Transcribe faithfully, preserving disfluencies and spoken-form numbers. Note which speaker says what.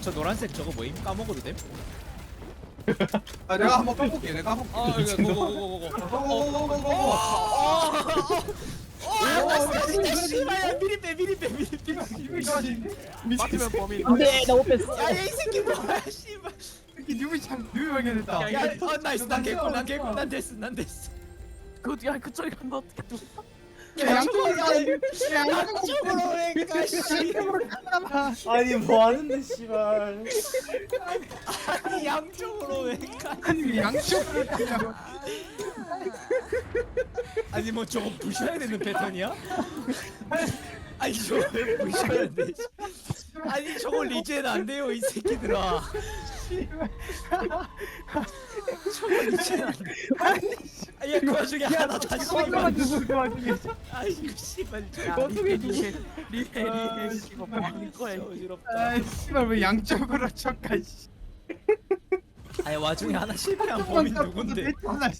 Speaker 1: 저 노란색 저거 뭐임? 까먹어도 됨?
Speaker 2: 아 내가 한번 까볼게. 내가 한번.
Speaker 1: 아 이거 고고고고고.
Speaker 2: 고고고고고고.
Speaker 1: 씨발 미리 빼 미리 빼 미리 빼.
Speaker 3: 맞으면 범인.
Speaker 4: 안돼 나 못 뺐어.
Speaker 1: 야이 새끼 뭐야 씨발.
Speaker 2: 이렇게 뉴비 참 뉴비 발견했다.
Speaker 1: 야, 어 나이스 난 개꿀 난 개꿀 난 됐어 난 됐어.
Speaker 3: 그야 그쪽에 간다 어떻게 또?
Speaker 2: 양쪽으로
Speaker 1: 양쪽으로 왜가 씨.
Speaker 5: 아니 뭐 하는데 씨발.
Speaker 1: 아니 양쪽으로 왜가.
Speaker 2: 아니 양쪽으로 가냐고.
Speaker 1: 아니 뭐 저거 부셔야 되는 패턴이야? 아니 저거 왜 부셔야 돼? 아니 저거 리젠 안 돼요 이 새끼들아. 저거 리젠 안 돼. 아야 그 와중에 하나 다시
Speaker 4: 잠깐만 누구 그 와중에.
Speaker 1: 아이고 씨발 저
Speaker 4: 어떻게
Speaker 3: 리해 리해 리해 이거 뭐 하는 거야?
Speaker 1: 어지럽다.
Speaker 2: 아 씨발 왜 양쪽으로 척가 씨.
Speaker 1: 아니 와중에 하나 실패한 범인 누군데?
Speaker 2: 하나 씨.